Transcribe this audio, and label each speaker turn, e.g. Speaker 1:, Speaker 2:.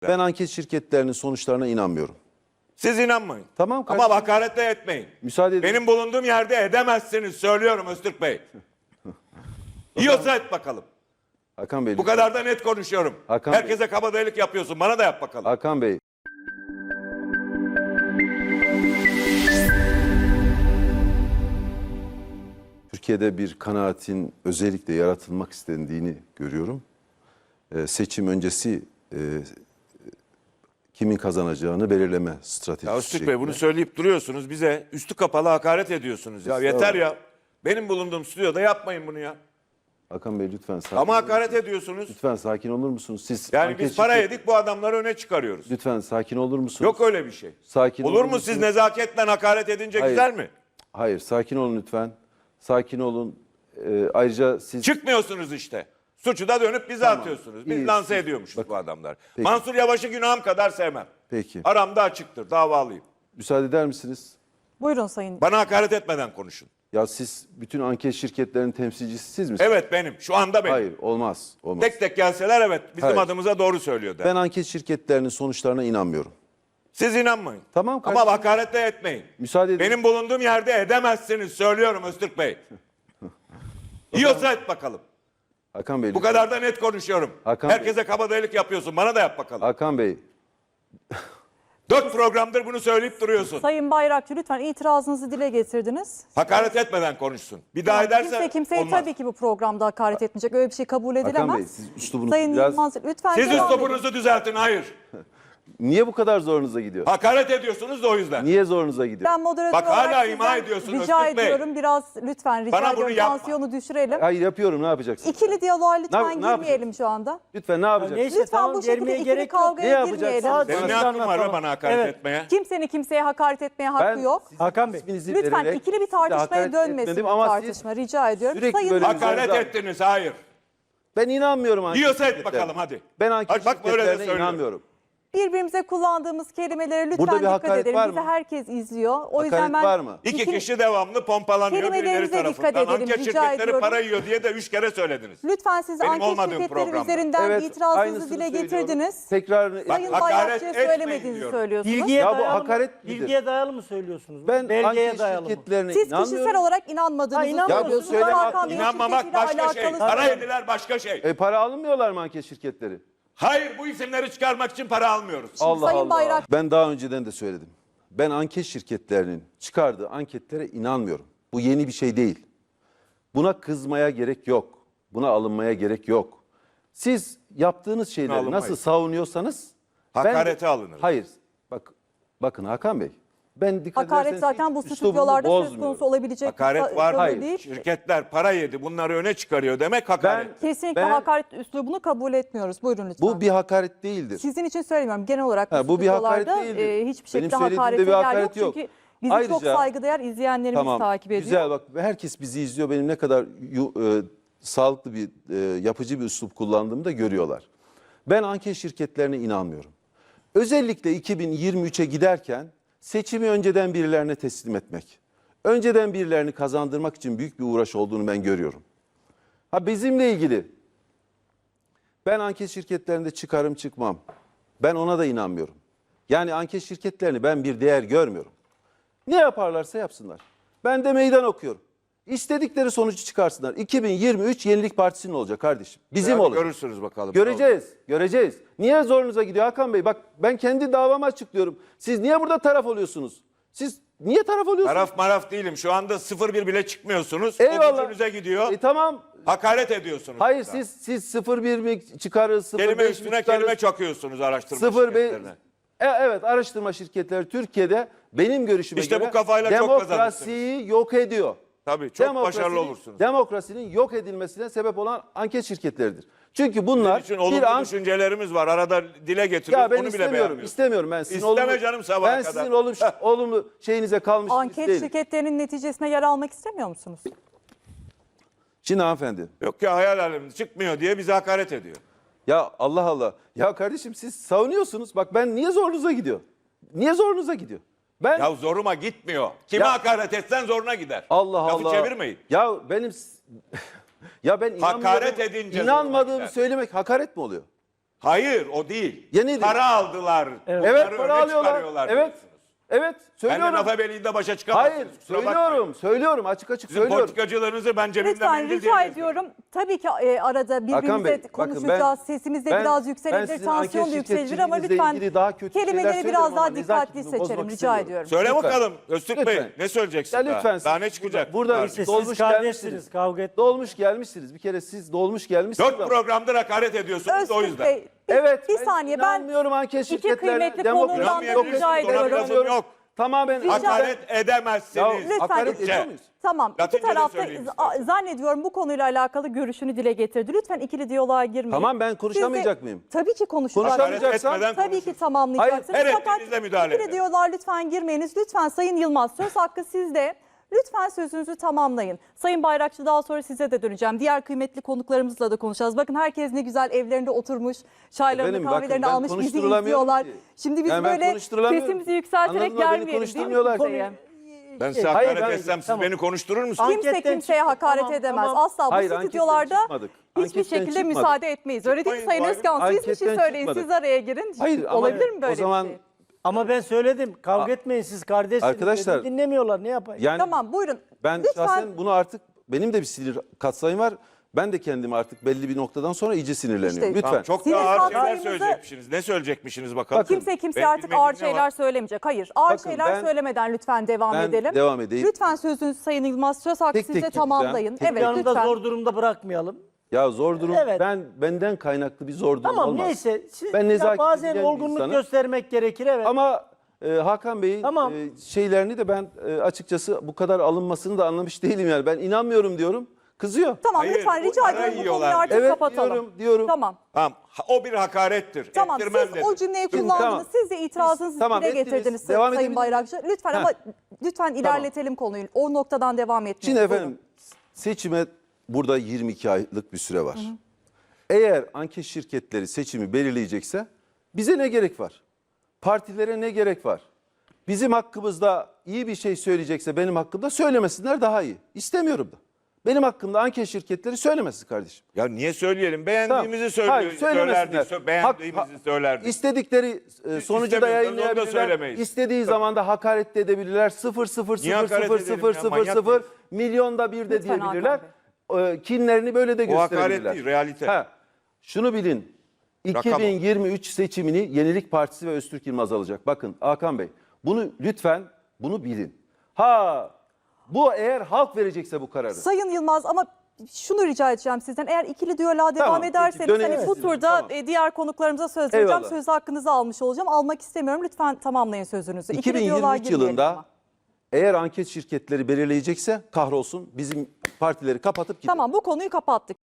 Speaker 1: Ben anket şirketlerinin sonuçlarına inanmıyorum.
Speaker 2: Siz inanmayın.
Speaker 1: Tamam
Speaker 2: Ama
Speaker 1: kardeşim.
Speaker 2: hakaret de etmeyin.
Speaker 1: Müsaade edin.
Speaker 2: Benim bulunduğum yerde edemezsiniz söylüyorum Öztürk Bey. Yiyorsa et bakalım.
Speaker 1: Hakan Bey.
Speaker 2: Bu kadar da net konuşuyorum.
Speaker 1: Hakan Bey.
Speaker 2: Herkese kabadayılık yapıyorsun. Bana da yap bakalım.
Speaker 1: Hakan Bey. Türkiye'de bir kanaatin özellikle yaratılmak istendiğini görüyorum. Seçim öncesi kimin kazanacağını belirleme stratejisi.
Speaker 2: Ya Öztürk Bey bunu söyleyip duruyorsunuz. Bize üstü kapalı hakaret ediyorsunuz. Ya yeter ya. Benim bulunduğum stüdyoda yapmayın bunu ya.
Speaker 1: Hakan Bey lütfen sakin
Speaker 2: Ama
Speaker 1: olur
Speaker 2: hakaret
Speaker 1: musunuz?
Speaker 2: ediyorsunuz.
Speaker 1: Lütfen sakin olur musunuz? Siz
Speaker 2: Yani
Speaker 1: anket
Speaker 2: biz para
Speaker 1: şirket-
Speaker 2: yedik bu adamları öne çıkarıyoruz.
Speaker 1: Lütfen sakin olur musunuz?
Speaker 2: Yok öyle bir şey.
Speaker 1: Sakin
Speaker 2: Olur mu
Speaker 1: musunuz?
Speaker 2: siz nezaketle hakaret edince
Speaker 1: Hayır.
Speaker 2: güzel mi?
Speaker 1: Hayır, sakin olun lütfen. Sakin olun. Ayrıca siz...
Speaker 2: Çıkmıyorsunuz işte. Suçu da dönüp bize atıyorsunuz. Biz
Speaker 1: İyi,
Speaker 2: lanse
Speaker 1: siz-
Speaker 2: ediyormuşuz
Speaker 1: Bakın.
Speaker 2: bu adamlar.
Speaker 1: Peki.
Speaker 2: Mansur Yavaş'ı günahım kadar sevmem.
Speaker 1: Peki.
Speaker 2: Aramda açıktır. Davalıyım.
Speaker 1: Müsaade eder misiniz?
Speaker 3: Buyurun Sayın.
Speaker 2: Bana hakaret etmeden konuşun.
Speaker 1: Ya siz bütün anket şirketlerinin temsilcisi siz misiniz?
Speaker 2: Evet benim. Şu anda benim.
Speaker 1: Hayır, olmaz. Olmaz.
Speaker 2: Tek tek gelseler evet. Bizim
Speaker 1: Hayır.
Speaker 2: adımıza doğru söylüyor der.
Speaker 1: Ben anket şirketlerinin sonuçlarına inanmıyorum.
Speaker 2: Siz inanmayın.
Speaker 1: Tamam kardeşim.
Speaker 2: Ama hakaret de etmeyin.
Speaker 1: Müsaade edin.
Speaker 2: Benim bulunduğum yerde edemezsiniz söylüyorum Öztürk Bey. Yiyorsa et bakalım.
Speaker 1: Hakan Bey.
Speaker 2: Bu kadar da net konuşuyorum.
Speaker 1: Hakan
Speaker 2: Herkese kabadayılık yapıyorsun. Bana da yap bakalım.
Speaker 1: Hakan Bey.
Speaker 2: 4 programdır bunu söyleyip duruyorsun.
Speaker 3: Sayın Bayrakçı lütfen itirazınızı dile getirdiniz.
Speaker 2: Hakaret etmeden konuşsun. Bir daha
Speaker 3: Yani
Speaker 2: ederse
Speaker 3: kimseye
Speaker 2: olmaz.
Speaker 3: tabii ki bu programda hakaret etmeyecek. Öyle bir şey kabul edilemez.
Speaker 1: Hakan Bey, siz üslubunuzu
Speaker 3: Sayın
Speaker 1: biraz...
Speaker 3: Yılmaz lütfen
Speaker 2: Siz
Speaker 3: devam edin.
Speaker 2: üslubunuzu düzeltin. Hayır.
Speaker 1: Niye bu kadar zorunuza gidiyor?
Speaker 2: Hakaret ediyorsunuz da o yüzden.
Speaker 1: Niye zorunuza gidiyor?
Speaker 3: Ben moderatör
Speaker 2: Bak hala
Speaker 3: olarak
Speaker 2: ima
Speaker 3: sizden
Speaker 2: ediyorsun
Speaker 3: rica
Speaker 2: Öztürk Bey.
Speaker 3: ediyorum biraz lütfen rica
Speaker 2: Bana bunu
Speaker 3: ediyorum
Speaker 2: yapma.
Speaker 3: tansiyonu düşürelim.
Speaker 1: Hayır yapıyorum, ne yapacaksınız?
Speaker 3: İkili diyaloğa lütfen
Speaker 1: Ne
Speaker 3: girmeyelim
Speaker 1: yapacaksın?
Speaker 3: şu anda.
Speaker 1: Lütfen ne yapacaksınız?
Speaker 4: Neyse,
Speaker 3: Lütfen
Speaker 4: tamam,
Speaker 3: bu şekilde
Speaker 4: germeye
Speaker 3: ikili
Speaker 4: gerek yok.
Speaker 1: Ne
Speaker 3: kavgaya
Speaker 1: yapacaksınız?
Speaker 3: girmeyelim.
Speaker 2: Benim ne hakkım var be bana hakaret
Speaker 4: Evet.
Speaker 2: etmeye?
Speaker 3: Kimsenin kimseye hakaret etmeye hakkı yok.
Speaker 1: sizin
Speaker 4: Hakan Bey,
Speaker 1: isminizi
Speaker 3: Lütfen
Speaker 1: vererek
Speaker 3: ikili bir
Speaker 1: size
Speaker 3: tartışmaya
Speaker 1: hakaret
Speaker 3: dönmesin
Speaker 1: etmedim
Speaker 3: bu
Speaker 1: ama
Speaker 3: tartışma rica ediyorum.
Speaker 1: sürekli
Speaker 3: Sayın
Speaker 1: böyle
Speaker 2: Hakaret
Speaker 1: Güzel.
Speaker 2: ettiniz. Hayır.
Speaker 1: Ben inanmıyorum anket
Speaker 2: Yiyorsa et
Speaker 1: şirketlerine.
Speaker 2: bakalım hadi.
Speaker 1: Ben anket
Speaker 2: Bak, böyle de
Speaker 1: şirketlerine
Speaker 2: söylüyorum.
Speaker 1: inanmıyorum.
Speaker 3: birbirimize kullandığımız kelimelere lütfen
Speaker 1: Burada bir
Speaker 3: dikkat
Speaker 1: hakaret
Speaker 3: edelim.
Speaker 1: var
Speaker 3: Bizi
Speaker 1: mı?
Speaker 3: herkes izliyor. O yüzden
Speaker 1: Hakaret
Speaker 3: ben
Speaker 1: var mı?
Speaker 2: İki kişi devamlı pompalanıyor birileri
Speaker 3: Kelimelerimize dikkat
Speaker 2: tarafından.
Speaker 3: edelim,
Speaker 2: Anket
Speaker 3: rica
Speaker 2: şirketleri
Speaker 3: ediyorum.
Speaker 2: para yiyor diye de 3 kere söylediniz.
Speaker 3: lütfen siz
Speaker 2: Benim
Speaker 3: anket
Speaker 2: olmadığım
Speaker 3: şirketleri
Speaker 2: programda.
Speaker 3: üzerinden
Speaker 1: Evet,
Speaker 3: itirazınızı
Speaker 1: aynısını
Speaker 3: dile
Speaker 1: söylüyorum.
Speaker 3: getirdiniz.
Speaker 1: Tekrarını...
Speaker 3: Sayın
Speaker 2: hakaret
Speaker 3: Bayrakçı'ya
Speaker 2: etmeyin
Speaker 3: söylemediğinizi
Speaker 2: diyorum.
Speaker 3: söylüyorsunuz.
Speaker 4: Bilgiye
Speaker 1: Ya bu
Speaker 4: dayalı mı-
Speaker 1: hakaret midir?
Speaker 4: Bilgiye dayalı mı söylüyorsunuz?
Speaker 1: Ben
Speaker 4: Belgeye
Speaker 1: anket
Speaker 4: dayalı mı?
Speaker 1: şirketlerine
Speaker 3: Siz
Speaker 1: inanmıyorum.
Speaker 3: kişisel olarak inanmadığınızı
Speaker 4: inanmıyorsunuz.
Speaker 3: söylüyorsunuz.
Speaker 1: Ya bu söyleme
Speaker 3: Hakan Bey'in
Speaker 2: İnanmamak
Speaker 3: şirketiyle
Speaker 2: başka şey.
Speaker 3: alakalı
Speaker 2: Para
Speaker 3: söylüyorum.
Speaker 2: yediler başka şey.
Speaker 1: Para almıyorlar mı anket şirketleri?
Speaker 2: Hayır bu isimleri çıkarmak için para almıyoruz.
Speaker 1: Allah
Speaker 3: Sayın
Speaker 1: Allah.
Speaker 3: Bayrak-
Speaker 1: Ben daha önceden de söyledim. Ben anket şirketlerinin çıkardığı anketlere inanmıyorum. Bu yeni bir şey değil. Buna kızmaya gerek yok. Buna alınmaya gerek yok. Siz yaptığınız şeyleri
Speaker 2: alınmayız.
Speaker 1: nasıl savunuyorsanız
Speaker 2: Hakarete alınır.
Speaker 1: Hayır. Bakın Hakan Bey. Ben dikkat
Speaker 3: Hakaret
Speaker 1: ederseniz
Speaker 3: zaten
Speaker 1: hiç
Speaker 3: bu
Speaker 1: üslubumu
Speaker 3: stüdyolarda söz
Speaker 1: bozmuyorum.
Speaker 3: konusu olabilecek
Speaker 2: Hakaret var.
Speaker 3: konu
Speaker 1: Hayır.
Speaker 3: değil.
Speaker 2: Şirketler para yedi bunları öne çıkarıyor demek hakaret.
Speaker 3: Kesinlikle
Speaker 1: Ben-
Speaker 3: hakaret üslubunu kabul etmiyoruz. Buyurun lütfen.
Speaker 1: Bu bir hakaret değildir.
Speaker 3: Sizin için söylemiyorum. Genel olarak
Speaker 1: Ha, bu bir hakaret
Speaker 3: stüdyolarda,
Speaker 1: değildir.
Speaker 3: hiçbir
Speaker 1: Benim
Speaker 3: şekilde
Speaker 1: söylediğimde
Speaker 3: hakarete
Speaker 1: bir
Speaker 3: yer
Speaker 1: hakaret
Speaker 3: yok.
Speaker 1: yok.
Speaker 3: Çünkü bizi
Speaker 1: Ayrıca-
Speaker 3: çok saygıdeğer izleyenlerimiz takip ediyor.
Speaker 1: Güzel bak herkes bizi izliyor. Benim ne kadar sağlıklı bir yapıcı bir üslup kullandığımı da görüyorlar. Ben anket şirketlerine inanmıyorum. Özellikle 2023'e giderken seçimi önceden birilerine teslim etmek. Önceden birilerini kazandırmak için büyük bir uğraş olduğunu ben görüyorum. Ha bizimle ilgili ben anket şirketlerinde çıkarım çıkmam. Ben ona da inanmıyorum. Yani anket şirketlerini ben bir değer görmüyorum. Ne yaparlarsa yapsınlar. Ben de meydan okuyorum. İstedikleri sonucu çıkarsınlar. 2023 Yenilik Partisi'nin olacak kardeşim. Bizim
Speaker 2: Hadi
Speaker 1: olacak.
Speaker 2: görürsünüz bakalım.
Speaker 1: Göreceğiz. Niye zorunuza gidiyor Hakan Bey? Bak ben kendi davamı açıklıyorum. Siz niye burada taraf oluyorsunuz? Siz niye taraf oluyorsunuz?
Speaker 2: Taraf maraf değilim. Şu anda 0-1 bile çıkmıyorsunuz.
Speaker 1: Eyvallah.
Speaker 2: O gücünüze gidiyor.
Speaker 1: Tamam.
Speaker 2: Hakaret ediyorsunuz.
Speaker 1: Hayır
Speaker 2: burada.
Speaker 1: siz 0-1 mi çıkarız? 0-5
Speaker 2: Kelime
Speaker 1: mi
Speaker 2: üstüne
Speaker 1: çıkarız?
Speaker 2: kelime çakıyorsunuz araştırma
Speaker 1: 0-5
Speaker 2: şirketlerine.
Speaker 1: Evet araştırma şirketleri Türkiye'de benim görüşüme
Speaker 2: İşte
Speaker 1: göre
Speaker 2: bu kafayla çok
Speaker 1: demokrasiyi yok ediyor.
Speaker 2: Tabii çok başarılı olursunuz.
Speaker 1: Demokrasinin yok edilmesine sebep olan anket şirketleridir. Çünkü bunlar
Speaker 2: Bizim için olumlu düşüncelerimiz var. Arada dile getiriyoruz.
Speaker 1: ya ben
Speaker 2: Onu bile
Speaker 1: istemiyorum.
Speaker 2: beğenmiyoruz.
Speaker 1: İstemiyorum ben sizin
Speaker 2: İsteme
Speaker 1: olumlu,
Speaker 2: canım sabaha
Speaker 1: ben
Speaker 2: kadar.
Speaker 1: sizin olumlu şeyinize kalmış
Speaker 3: Anket
Speaker 1: birisi değilim.
Speaker 3: şirketlerinin neticesine yer almak istemiyor musunuz?
Speaker 1: Şimdi hanımefendi.
Speaker 2: Yok ya hayal aleminde çıkmıyor diye bize hakaret ediyor.
Speaker 1: Ya Allah Allah. Ya kardeşim siz savunuyorsunuz. Bak ben niye zorunuza gidiyor? Niye zorunuza gidiyor? Ben
Speaker 2: Ya zoruma gitmiyor. Kime
Speaker 1: Ya-
Speaker 2: hakaret etsen zoruna gider.
Speaker 1: Allah
Speaker 2: Lafı
Speaker 1: Allah.
Speaker 2: çevirmeyin.
Speaker 1: Ya benim ya ben
Speaker 2: Hakaret edince
Speaker 1: inanmadığımı
Speaker 2: zoruna gider.
Speaker 1: söylemek hakaret mi oluyor?
Speaker 2: Hayır o değil.
Speaker 1: Ya nedir?
Speaker 2: Para aldılar.
Speaker 1: Evet,
Speaker 2: Bunları
Speaker 1: para
Speaker 2: öne
Speaker 1: alıyorlar.
Speaker 2: çıkarıyorlar
Speaker 1: Evet.
Speaker 2: diyorsunuz.
Speaker 1: Evet,
Speaker 2: Ben de
Speaker 1: söylüyorum.
Speaker 2: lafa beliğinde başa çıkamazsınız.
Speaker 1: Hayır,
Speaker 2: kusura bakmayın.
Speaker 1: söylüyorum. Açık açık
Speaker 2: Sizin
Speaker 1: söylüyorum.
Speaker 2: politikacılarınızı ben cebimden
Speaker 3: Lütfen
Speaker 2: mendil
Speaker 3: rica
Speaker 2: diye
Speaker 3: ediyorum. Tabii ki arada
Speaker 1: Hakan Bey,
Speaker 3: birbirimize
Speaker 1: bakın
Speaker 3: konuşacağız. Sesimiz de biraz yükselebilir, tansiyon da yükselebilir ama lütfen
Speaker 1: ilgili daha kötü şeyler
Speaker 3: kelimeleri
Speaker 1: söylüyorum
Speaker 3: biraz
Speaker 1: ama
Speaker 3: daha
Speaker 1: nezaketimi
Speaker 3: dikkatli
Speaker 1: bozmak
Speaker 3: seçelim rica
Speaker 1: istemiyorum.
Speaker 3: ediyorum.
Speaker 2: Söyle
Speaker 1: Lütfen.
Speaker 2: bakalım Öztürk Bey
Speaker 1: Lütfen.
Speaker 2: ne söyleyeceksin
Speaker 1: Ya
Speaker 2: daha?
Speaker 1: lütfen.
Speaker 2: Daha ne çıkacak?
Speaker 1: Burada
Speaker 2: Kardeşim.
Speaker 1: dolmuş
Speaker 4: Siz
Speaker 1: gelmişsiniz.
Speaker 4: kardeşsiniz, kavga et.
Speaker 1: Dolmuş gelmişsiniz. Bir kere siz dolmuş gelmişsiniz.
Speaker 2: 4
Speaker 1: ama-
Speaker 2: programdır hakaret ediyorsunuz da o
Speaker 3: Öztürk
Speaker 2: yüzden.
Speaker 3: Bey,
Speaker 1: Evet.
Speaker 3: bir saniye ben
Speaker 1: inanmıyorum anket
Speaker 3: iki
Speaker 1: şirketlerine.
Speaker 3: kıymetli
Speaker 1: demokrasi
Speaker 3: konudan da
Speaker 1: yok.
Speaker 3: rica
Speaker 2: Ona
Speaker 3: ediyorum.
Speaker 2: lafım yok.
Speaker 1: Tamamen
Speaker 2: Hakaret edemezsiniz.
Speaker 1: Ya,
Speaker 3: Lütfen,
Speaker 1: hakaret
Speaker 3: lütfen.
Speaker 1: ediyor muyuz?
Speaker 3: Tamam. İki
Speaker 2: Latince de
Speaker 3: tarafta
Speaker 2: söyleyeyim istersen.
Speaker 3: zannediyorum bu konuyla alakalı görüşünü dile getirdi. Lütfen ikili diyaloğa girmeyin.
Speaker 1: Tamam, ben konuşamayacak
Speaker 3: Siz de-
Speaker 1: mıyım?
Speaker 3: Tabii ki konuşacaksınız.
Speaker 2: Hakaret
Speaker 1: Konuşamayacaksan-
Speaker 2: etmeden
Speaker 3: Tabii
Speaker 2: konuşun.
Speaker 3: ki tamamlayacaksınız.
Speaker 2: Hayır, her
Speaker 3: Fakat
Speaker 2: ettiğinizde müdahale
Speaker 3: ikili
Speaker 2: edin.
Speaker 3: diyaloğa lütfen girmeyiniz. Lütfen Sayın Yılmaz söz hakkı sizde. Lütfen sözünüzü tamamlayın. Sayın Bayrakçı daha sonra size de döneceğim. Diğer kıymetli konuklarımızla da konuşacağız. Bakın herkes ne güzel evlerinde oturmuş, çaylarını
Speaker 1: Efendim, bakın,
Speaker 3: kahvelerini
Speaker 1: ben
Speaker 3: almış bizi
Speaker 1: konuşturulamıyorum
Speaker 3: izliyorlar.
Speaker 1: ki.
Speaker 3: Şimdi biz
Speaker 1: Yani ben
Speaker 3: böyle
Speaker 1: konuşturulamıyorum.
Speaker 3: sesimizi yükselterek
Speaker 1: Anladın mı? Beni
Speaker 3: gelmeyelim değil mi
Speaker 1: konuşturmuyorlar.
Speaker 3: kimseye?
Speaker 2: Ben size
Speaker 1: Hayır,
Speaker 2: hakaret
Speaker 1: ben-
Speaker 2: etsem siz
Speaker 4: tamam.
Speaker 2: beni konuşturur musunuz?
Speaker 4: Anketten
Speaker 3: Kimse kimseye
Speaker 4: çıktık,
Speaker 3: hakaret
Speaker 4: tamam,
Speaker 3: edemez.
Speaker 4: tamam.
Speaker 3: Asla bu
Speaker 1: Hayır, anketten
Speaker 3: stüdyolarda
Speaker 1: çıkmadık.
Speaker 3: hiçbir
Speaker 1: Anketten
Speaker 3: şekilde
Speaker 1: çıkmadık.
Speaker 3: müsaade etmeyiz. Öyle değil mi
Speaker 2: Çıkmayın,
Speaker 3: Sayın
Speaker 2: bu
Speaker 3: Özkan? Siz bir şey
Speaker 1: Anketten
Speaker 3: söyleyin,
Speaker 1: çıkmadık.
Speaker 3: siz araya girin.
Speaker 1: Hayır, ama
Speaker 3: Olabilir mi böyle
Speaker 1: o zaman
Speaker 3: bir şey?
Speaker 4: Ama ben söyledim. Kavga etmeyin siz kardeşsiniz.
Speaker 1: Arkadaşlar,
Speaker 4: dedim, dinlemiyorlar ne yapayım?
Speaker 1: yani
Speaker 3: Tamam buyurun.
Speaker 1: ben
Speaker 3: Lütfen.
Speaker 1: şahsen bunu artık benim de bir sinir katsayım var. Ben de kendimi artık belli bir noktadan sonra iyice sinirleniyorum.
Speaker 3: İşte-
Speaker 1: Lütfen.
Speaker 2: Tamam, çok
Speaker 3: Sinir
Speaker 2: daha ağır şeyler
Speaker 3: katsayımızı-
Speaker 2: söyleyecekmişsiniz. Ne söyleyecekmişsiniz bakalım?
Speaker 3: Kimse kimseye
Speaker 2: Benim
Speaker 3: artık
Speaker 2: bilmediğim
Speaker 3: ağır
Speaker 2: ne var?
Speaker 3: şeyler söylemeyecek. Hayır. Ağır
Speaker 1: Bakın,
Speaker 3: şeyler
Speaker 1: ben-
Speaker 3: söylemeden lütfen devam
Speaker 1: ben
Speaker 3: edelim.
Speaker 1: devam edeyim.
Speaker 3: Lütfen sözünüzü Sayın Yılmaz söz hakkı
Speaker 1: Tek tek
Speaker 3: size
Speaker 1: gideceğim.
Speaker 3: tamamlayın.
Speaker 1: Tek
Speaker 3: Evet
Speaker 4: Yanında
Speaker 3: lütfen.
Speaker 4: zor durumda bırakmayalım.
Speaker 1: Ya zor durum.
Speaker 4: Evet.
Speaker 1: Benden kaynaklı bir zor durum
Speaker 4: Tamam
Speaker 1: olmaz.
Speaker 4: neyse. Siz,
Speaker 1: Ben
Speaker 4: ya
Speaker 1: nezaketli
Speaker 4: bazen
Speaker 1: bilen bir
Speaker 4: olgunluk
Speaker 1: insanım.
Speaker 4: göstermek gerekir evet.
Speaker 1: Ama Hakan Bey'in
Speaker 4: Tamam.
Speaker 1: şeylerini de ben açıkçası bu kadar alınmasını da anlamış değilim yani. Ben inanmıyorum diyorum. Kızıyor.
Speaker 3: Tamam
Speaker 2: Hayır,
Speaker 3: lütfen
Speaker 2: bu
Speaker 3: rica
Speaker 2: ara
Speaker 3: ediyorum bu
Speaker 2: yiyorlar.
Speaker 3: konuyu artık
Speaker 1: Evet,
Speaker 3: kapatalım.
Speaker 1: diyorum.
Speaker 3: Tamam.
Speaker 2: Tamam. O bir hakarettir.
Speaker 3: Tamam
Speaker 2: Ettirmem
Speaker 3: siz
Speaker 2: dedim.
Speaker 3: o cümleyi
Speaker 1: Şimdi
Speaker 3: kullandınız.
Speaker 1: tamam.
Speaker 3: Siz de itirazınızı
Speaker 1: Tamam,
Speaker 3: dile
Speaker 1: ettiniz.
Speaker 3: getirdiniz
Speaker 1: Devam
Speaker 3: Sayın
Speaker 1: edebilir
Speaker 3: Bayrakçı. Lütfen ama lütfen ilerletelim konuyu. O noktadan devam etmeyin.
Speaker 1: Şimdi
Speaker 3: Buyurun.
Speaker 1: efendim seçime burada 22 aylık bir süre var. Eğer anket şirketleri seçimi belirleyecekse bize ne gerek var? Partilere ne gerek var? Bizim hakkımızda iyi bir şey söyleyecekse benim hakkımda söylemesinler daha iyi. İstemiyorum da. Benim hakkımda anket şirketleri söylemesin kardeşim.
Speaker 2: Ya niye söyleyelim?
Speaker 1: Tamam.
Speaker 2: Beğendiğimizi
Speaker 1: Hayır,
Speaker 2: söylerdik.
Speaker 1: söylemesinler.
Speaker 2: Beğendiğimizi söylerdik.
Speaker 1: İstedikleri sonucu da
Speaker 2: İstemiyorsanız onu da
Speaker 1: yayınlayabilirler.
Speaker 2: söylemeyiz.
Speaker 1: İstediği zaman da hakaret de edebilirler. 0 0
Speaker 2: Niye
Speaker 1: 0
Speaker 2: hakaret
Speaker 1: 0
Speaker 2: edelim
Speaker 1: 0
Speaker 2: ya?
Speaker 1: 0
Speaker 2: Manyak
Speaker 1: 0
Speaker 2: mıyız?
Speaker 1: milyonda bir de
Speaker 3: Lütfen Hakan
Speaker 1: diyebilirler. Kinlerini böyle de
Speaker 2: O hakaret
Speaker 1: gösterebilirler.
Speaker 2: değil, realite.
Speaker 1: Ha, şunu bilin.
Speaker 2: Rakam o.
Speaker 1: 2023 seçimini Yenilik Partisi ve Öztürk Yılmaz alacak. Bakın Hakan Bey, bunu lütfen bunu bilin. Bu eğer halk verecekse bu kararı.
Speaker 3: Sayın Yılmaz ama şunu rica edeceğim sizden. Eğer ikili diyaloğa devam
Speaker 1: Tamam, peki,
Speaker 3: ederseniz
Speaker 1: dönelim
Speaker 3: hani bu
Speaker 1: size.
Speaker 3: turda
Speaker 1: Tamam.
Speaker 3: diğer konuklarımıza söz vereceğim.
Speaker 1: Eyvallah.
Speaker 3: Söz hakkınızı almış olacağım. Almak istemiyorum. Lütfen tamamlayın sözünüzü. İkili diyaloğa
Speaker 1: 2023
Speaker 3: girmeyelim
Speaker 1: yılında
Speaker 3: ama.
Speaker 1: eğer anket şirketleri belirleyecekse kahrolsun bizim partileri kapatıp gidelim.
Speaker 3: Tamam bu konuyu kapattık.